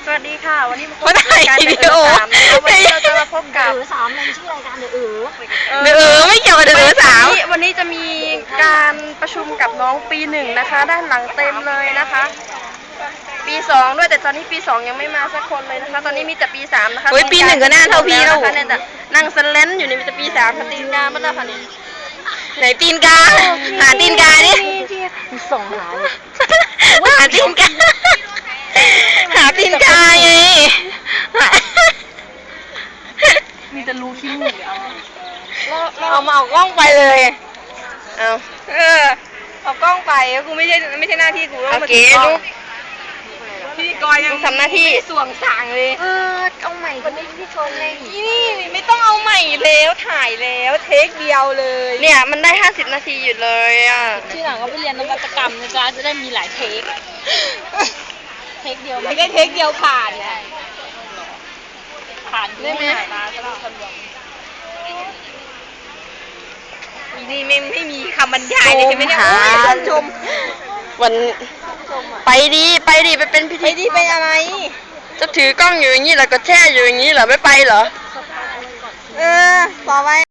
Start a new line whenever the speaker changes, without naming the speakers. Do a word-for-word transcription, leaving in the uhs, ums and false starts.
สวัสดีค่ะวันนี้มาพบกับรายการเดือดสามนะคะวันนี้เราจะมาพบกับ
เดือดสามมันชื่อรายการเดือดเออ
เดือดไม่เกี่ยวกับเดือดสาว
วันนี้จะมีการประชุมกับน้องปีหนึ่งนะคะด้านหลังเต็มเลยนะคะปีสองด้วยแต่ตอนนี้ปีสองยังไม่มาสักคนเลยนะคะตอนนี้มีแต่ปีสามนะคะ
เฮ้ยปีหนึ่งก็น่าเท่าพี่แล้ว
นะคะเนี่ยแต่นั่งสเลนอยู่นี่มีแต่ปีสามตีนกาบ้านละค่ะนี่
ไหนตีนกาหาตีนกาดิ
มีส่งหาเลย
หาตีนกาหาตีนกาไง
มีแต่รูขี้มูกเอา
เอามาเอากล้องไปเลยเอาเออเอากล้องไปกูไม่ใช่ไม่ใช่หน้าที่กูต้องมาถือกล้องพี่กอยยังทำหน้าที่ส่วงสางเลย
เออเอาใหม่ก็ไม่พี่ชนเลย
นี่ไม่ต้องเอาใหม่แล้วถ่ายแล้วเทคเดียวเลย
เนี่ยมันได้ห้าสิบนาทีอยู่เลยอ่ะ
ที่หลังก็ไปเรียนนวัตกรรมนะจ๊ะจะได้มีหลายเทคเทคเดียว
ไม่ได้เทคเดียวผ่าน
ผ่าน
ได้ไหม
ตาก็ต้องทะลวง
อีนี่ไม่ไม่มีคำบรรยายเลยใช่ไหมเนี่ยโอ้ยท่านชม
วันไปดีไปดีไปเป็นพิ
ไป
ธี
ดีไปอะไร
จะถือกล้องอยู่อย่างนี้เหรอก็แช่อยู่อย่างนี้เหรอไม่ไปเหรอ
เออต่อไป